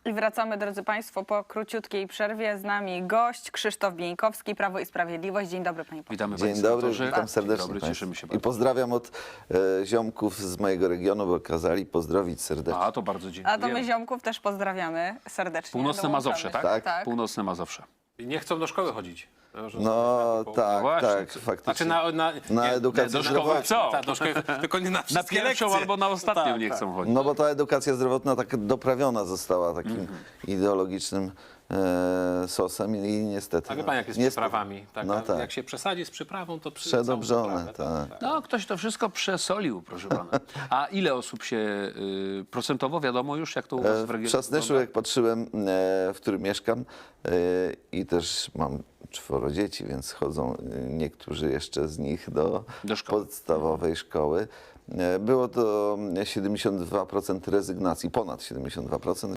I wracamy, drodzy Państwo, po króciutkiej przerwie. Z nami gość Krzysztof Bieńkowski, Prawo i Sprawiedliwość. Dzień dobry, panie pośle. Witamy Dzień dobry, witam serdecznie. Dzień dobry, cieszymy się I bardzo. pozdrawiam od ziomków z mojego regionu, bo kazali pozdrowić serdecznie. A, to bardzo dziękuję. A to my ziomków też pozdrawiamy serdecznie. Północne Dołączamy. Mazowsze, tak? Tak. Tak. Północne Mazowsze. I nie chcą do szkoły chodzić. No tak, właśnie, tak, co- faktycznie. Znaczy na edukację do szkoły zdrowotną. co? Tak, do szkoły, tylko nie na Na wszystkie pierwszą lekcje. albo na ostatnią Tak, nie tak. chcą chodzić. No bo ta edukacja zdrowotna tak doprawiona została takim ideologicznym sosem i niestety... A wie pan, jak jest z przyprawami? Tak, No tak. Jak się przesadzi z przyprawą, to Przedobrzone, całą tak. przyprawę, No, ktoś to wszystko przesolił, proszę pana. A ile osób się procentowo wiadomo już, jak to u was w W regionie Trzasnyszu, wygląda? jak patrzyłem, w którym mieszkam i też mam 4 dzieci, więc chodzą niektórzy jeszcze z nich do szkoły. podstawowej szkoły. Było to 72% rezygnacji, ponad 72%.